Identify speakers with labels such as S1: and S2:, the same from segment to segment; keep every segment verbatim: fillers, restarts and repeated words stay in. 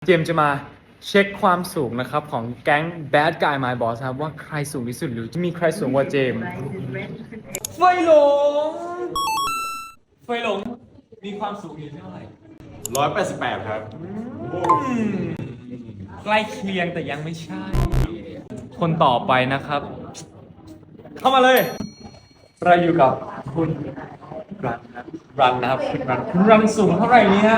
S1: เจมส์จะมาเช็คความสูงนะครับของแก๊ง Bad Guy My Boss ครับว่าใครสูงที่สุดหรือจะมีใครสูงกว่าเจมส์ไฟหลงไฟหลงมีความสูงอยู่เท่าไหร่
S2: ร้อยแปดสิบแปดครับ
S1: ใกล้เคียงแต่ยังไม่ใช่ คนต่อไปนะครับ เข้ามาเลยเราอยู่กับคุณรันครับรันนะครับคุณรันคุณรันสูงเท่าไหร่เนี่ย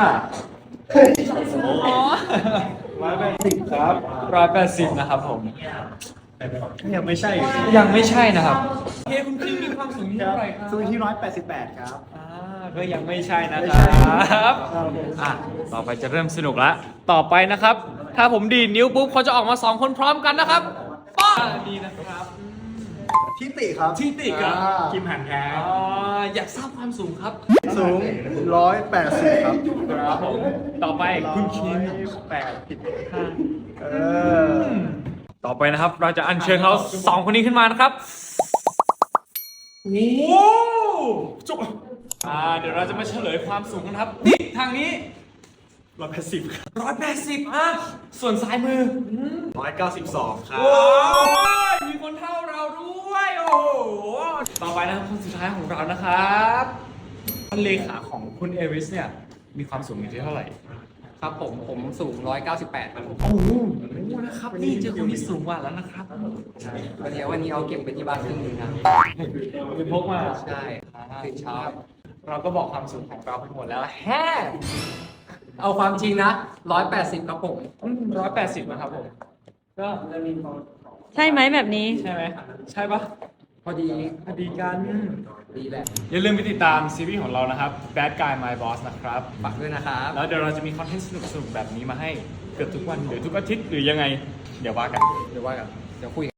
S1: ร้อยแปดสิบครับร้อยแปดสิบนะครับผม
S2: ยังไม่ใช่
S1: ยังไม่ใช่นะครับเฮ้คุณคิงมีความสูงที่เท่าไหร่ครับ
S2: สูงที่ร้อยแปดสิบแปดครับ
S1: อ่าก็ยังไม่ใช่นะครับอ่ะต่อไปจะเริ่มสนุกแล้วต่อไปนะครับ ถ้าผมดีดนิ้วปุ๊บเขาจะออกมาสองคนพร้อมกันนะครับป้าดีนะครับ
S2: ทิติครับ
S1: ทิติครับ
S2: คิมหันแท้
S1: อยากทราบความสูงครับ
S2: สูงร้อยแปดสิบครับ
S1: ครับผมต่อไปคุณคิงแปดสิบห้าเออต่อไปนะครับเราจะอัญเชิญเขาสองคนนี้ขึ้นมานะครับโอ้จุกอ่าเดี๋ยวเราจะมาเฉลยความสูงกันครับนี่ทางนี้
S2: ร้อยแปดสิบครับ
S1: ร้อยแปดสิบอ่ะส่วนซ้ายมือ
S2: ร้อยเก้าสิบสองครับ
S1: โอ้ยมีคนเท่าเราด้วยโอ้โหต่อไปนะครับคนสุดท้ายของเรานะครับท่านเลขาของคุณเอริสเนี่ยมีความสูงอยู่ที่เท่าไหร่
S3: ครับผมผมสูงหนึ่งร้อยเก้าสิบแปดครับผม
S1: โอ้โหนะครับนี่เจอคนที่สูงกว่าแล้วนะครับ
S3: วันนี้วันนี้เอาเก็บไปที่บ้านครึ่งหนึงครับ
S1: เป็นพกมา
S3: ใช่ตื่นเช้า
S1: เราก็บอกความสูงของเราไปหมดแล้วแฮ่
S3: เอาความจริงนะหนึ่งร้อยแปดสิบครับผม
S1: ร้อยแปดสิบนะครับผมก็
S4: ใช่ไหมแบบนี้
S1: ใช่ไหมใช่ปะ
S3: พอดี
S1: พอดีกัน
S3: ดีแหละ
S1: อย่าลืมไปติดตามซีรีส์ของเรานะครับ Bad Guy My Boss นะครับ
S3: ฝากด้วยนะครับ
S1: แล้วเดี๋ยวเราจะมีคอนเทนต์สนุกๆแบบนี้มาให้เกือบทุกวันหรือทุกอาทิตย์หรือยังไง เดี๋ยวว่ากัน
S3: เดี๋ยวว่ากันเดี๋ยวคุย